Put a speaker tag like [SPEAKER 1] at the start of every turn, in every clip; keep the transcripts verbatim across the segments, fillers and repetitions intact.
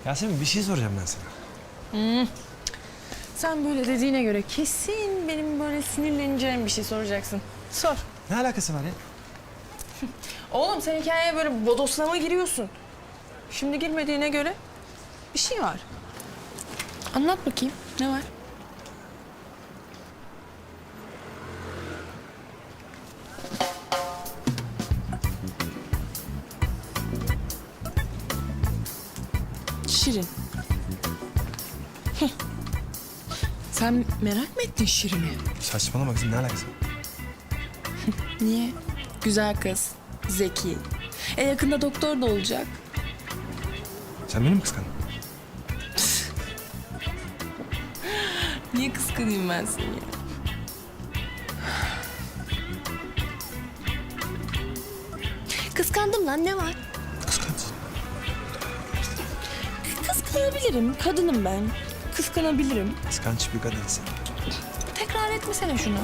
[SPEAKER 1] Yasemin bir şey soracağım ben sana.
[SPEAKER 2] Hmm. Sen böyle dediğine göre kesin benim böyle sinirleneceğim bir şey soracaksın. Sor.
[SPEAKER 1] Ne alakası var ya?
[SPEAKER 2] Oğlum sen hikayeye böyle bodoslama giriyorsun. Şimdi girmediğine göre bir şey var. Anlat bakayım. Ne var? Şirin. Heh. Sen merak mı ettin Şirin'i?
[SPEAKER 1] Saçmalama kızım, ne alakası var?
[SPEAKER 2] Niye? Güzel kız, zeki. E yakında doktor da olacak.
[SPEAKER 1] Sen beni mi kıskandın?
[SPEAKER 2] Niye kıskanayım ben seni? Kıskandım lan, ne var?
[SPEAKER 1] Kıskansın.
[SPEAKER 2] Kıskanabilirim, kadınım ben. Kıskanabilirim.
[SPEAKER 1] Kıskanç bir kadınsın.
[SPEAKER 2] Tekrar etmesene şunu.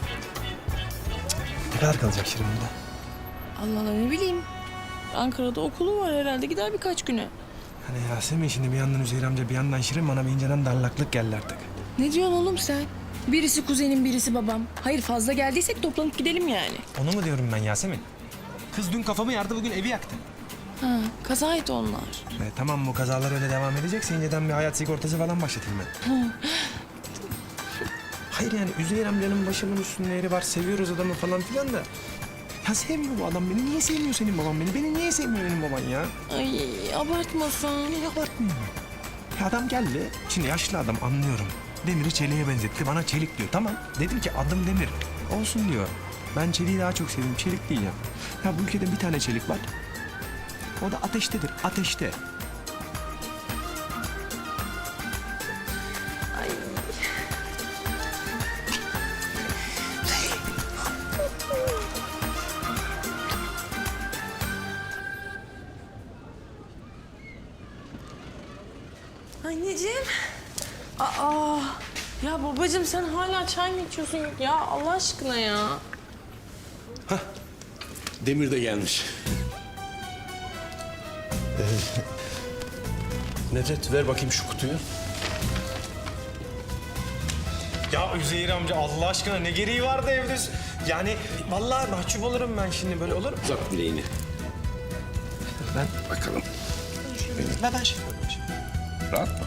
[SPEAKER 1] Ne kadar kalacak Şirin burada?
[SPEAKER 2] Allah Allah, ne bileyim. Ankara'da okulu var herhalde, gider birkaç güne.
[SPEAKER 1] Hani Yasemin şimdi bir yandan Üzeyir amca bir yandan Şirin bana bir inceden darlaklık geldi artık.
[SPEAKER 2] Ne diyorsun oğlum sen? Birisi kuzenim, birisi babam. Hayır, fazla geldiysek toplanıp gidelim yani.
[SPEAKER 1] Onu mu diyorum ben Yasemin? Kız dün kafamı yardı, bugün evi yaktı.
[SPEAKER 2] Ha, kazaydı onlar.
[SPEAKER 1] E, tamam, bu kazalar öyle devam edecekse inceden bir hayat sigortası falan başlatayım ben. Hayır yani Üzeyir amcanın başımın üstünde yeri var, seviyoruz adamı falan filan da. Ya sevmiyor bu adam beni. Niye sevmiyor senin baban beni? Beni niye sevmiyor benim baban ya?
[SPEAKER 2] Ay, abartmasan.
[SPEAKER 1] Niye abartmıyor? Ya adam geldi. Şimdi yaşlı adam, anlıyorum. Demir'i çeliğe benzetti. Bana çelik diyor. Tamam. Dedim ki adım Demir. Olsun diyor. Ben çeliği daha çok seviyorum. Çelik diyeceğim. Ya bu ülkede bir tane çelik var. O da ateştedir. Ateşte.
[SPEAKER 2] Ay. Anneciğim. Aa. Ya babacığım sen hala çay mı içiyorsun? Ya Allah aşkına ya.
[SPEAKER 3] Demir de gelmiş. Ee, Nedret ver bakayım şu kutuyu.
[SPEAKER 1] Ya Üzeyir amca Allah aşkına ne gereği vardı evde? Yani vallahi mahcup olurum ben şimdi, böyle olur mu?
[SPEAKER 3] Uzat bileğini.
[SPEAKER 1] Ben,
[SPEAKER 3] Bakalım.
[SPEAKER 1] ben, ben şey yapıyorum şimdi.
[SPEAKER 3] Rahat mı?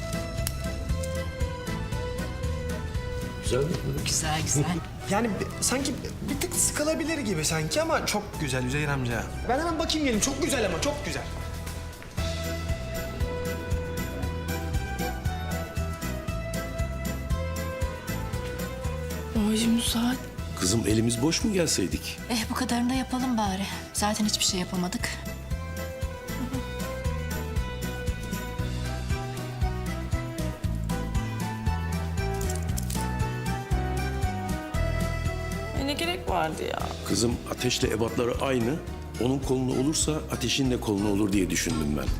[SPEAKER 3] Güzel mi?
[SPEAKER 4] Güzel güzel.
[SPEAKER 1] Yani bir- sanki bir tık sıkılabilir gibi sanki ama çok güzel Üzeyir amca. Ben hemen bakayım gelin. Çok güzel ama çok güzel.
[SPEAKER 2] Babacığım bu saat.
[SPEAKER 3] Kızım elimiz boş mu gelseydik?
[SPEAKER 4] Eh bu kadarını da yapalım bari. Zaten hiçbir şey yapamadık.
[SPEAKER 2] E ne gerek vardı ya?
[SPEAKER 3] Kızım ateşle ebatları aynı. Onun kolunu olursa ateşin de kolunu olur diye düşündüm ben.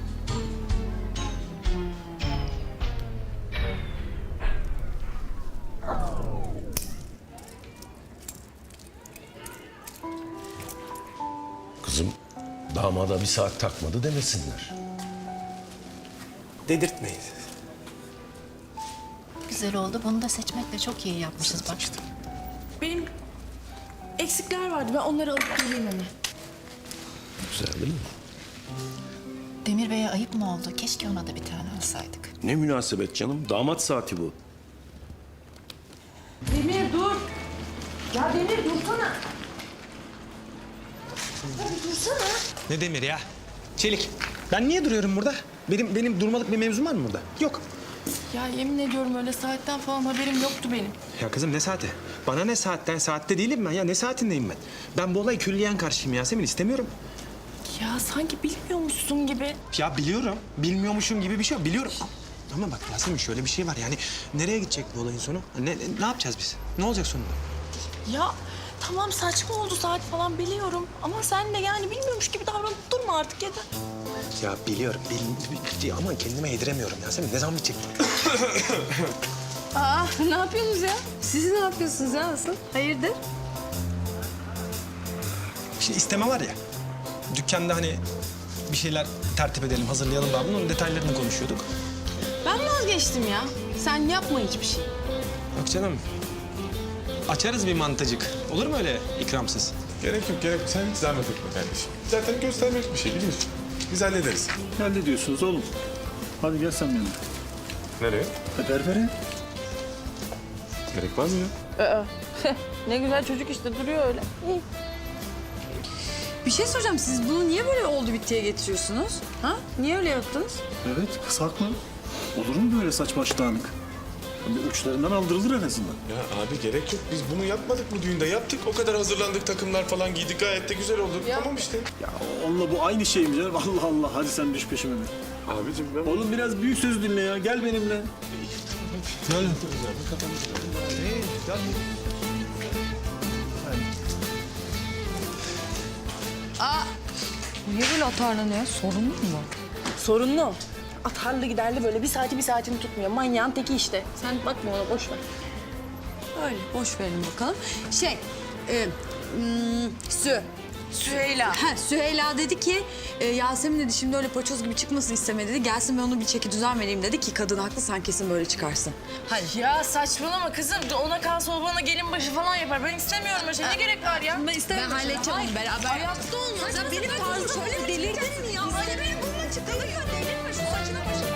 [SPEAKER 3] Kızım damada bir saat takmadı demesinler.
[SPEAKER 1] Dedirtmeyin.
[SPEAKER 4] Güzel oldu. Bunu da seçmekle çok iyi yapmışız bak.
[SPEAKER 2] Benim eksikler vardı. Ben onları alıp geleyim hemen.
[SPEAKER 3] Güzel değil mi?
[SPEAKER 4] Demir Bey'e ayıp mı oldu? Keşke ona da bir tane alsaydık.
[SPEAKER 3] Ne münasebet canım. Damat saati bu.
[SPEAKER 2] Demir dur. Ya Demir dursana. Ya bir dursana.
[SPEAKER 1] Ne demir ya? Çelik. Ben niye duruyorum burada? Benim benim durmalık bir mevzum var mı burada? Yok.
[SPEAKER 2] Ya yemin ediyorum öyle saatten falan haberim yoktu benim.
[SPEAKER 1] Ya kızım ne saati? Bana ne saatten? Saatte değilim ben ya. Ne saatindeyim ben? Ben bu olaya külliyen karşıyım Yasemin. İstemiyorum.
[SPEAKER 2] Ya sanki bilmiyormuşsun gibi.
[SPEAKER 1] Ya biliyorum. Bilmiyormuşum gibi bir şey yok. Biliyorum. Ama bak Yasemin şöyle bir şey var. Yani nereye gidecek bu olayın sonu? Ne, ne, ne yapacağız biz? Ne olacak sonunda?
[SPEAKER 2] Ya tamam saçma oldu saat falan biliyorum. Ama sen de yani bilmiyormuş gibi davranıp durma artık yeter.
[SPEAKER 1] Ya biliyorum. Bil, bil- ama kendime yediremiyorum Yasemin. Ne zaman bitecek?
[SPEAKER 2] Aa ne yapıyorsunuz ya? Siz ne yapıyorsunuz ya asıl? Hayırdır?
[SPEAKER 1] Şimdi isteme var ya. Dükkanda hani
[SPEAKER 5] bir şeyler tertip edelim, hazırlayalım daha. Bunun detaylarını konuşuyorduk.
[SPEAKER 2] Ben vazgeçtim ya. Sen yapma hiçbir şey.
[SPEAKER 5] Yok canım. Açarız bir mantıcık. Olur mu öyle ikramsız?
[SPEAKER 6] Gerek yok, gerek yok. Sen hiç zahmet etme kardeşim. Zaten göstermek bir şey biliyorsun. Biz hallederiz.
[SPEAKER 7] Hallediyorsunuz oğlum. Hadi gel sen benimle.
[SPEAKER 6] Nereye?
[SPEAKER 7] E, berbere.
[SPEAKER 6] Gerek var mı ya?
[SPEAKER 2] Ne güzel çocuk işte duruyor öyle. İyi.
[SPEAKER 8] Bir şey soracağım. Siz bunu niye böyle oldu bittiye getiriyorsunuz? Ha? Niye öyle yaptınız?
[SPEAKER 7] Evet, kız haklı. Olur mu böyle saç baş dağınık? Bir uçlarından aldırılır en azından.
[SPEAKER 6] Ya abi gerek yok. Biz bunu yapmadık bu düğünde. Yaptık. O kadar hazırlandık, takımlar falan giydik. Gayet de güzel oldu. Tamam işte.
[SPEAKER 7] Ya onunla bu aynı şey mi canım? Allah Allah, hadi sen düş peşime be.
[SPEAKER 6] Abicim ben...
[SPEAKER 7] Oğlum biraz büyük söz dinle ya, gel benimle.
[SPEAKER 5] Gel.
[SPEAKER 8] Niye böyle atarlanıyor? Sorun mu var?
[SPEAKER 2] Sorunlu. Atarlı giderli böyle bir saati bir saatini tutmuyor. Manyağın teki işte. Sen bakma ona boş ver.
[SPEAKER 8] Öyle, boş verin bakalım. Şey, e, hmm, Sü. Süheyla. Ha, Süheyla dedi ki, e, Yasemin dedi şimdi öyle paçoz gibi çıkmasını istemedi dedi. Gelsin ben onu bir çeki düzen vereyim dedi ki kadın haklı sen kesin böyle çıkarsın. Hadi.
[SPEAKER 2] Ya saçmalama kızım. Ona kalsa o bana gelin başı falan yapar. Ben istemiyorum öyle şey. Ne gerek var ya?
[SPEAKER 8] Ben istemiyorum. Ben halledeceğim onu beraber. Hayatta olmaz. Ya benim tarzım öyle delirdin mi ya? Öyle benim burnuma çıktı. Delirme şu saçına başına.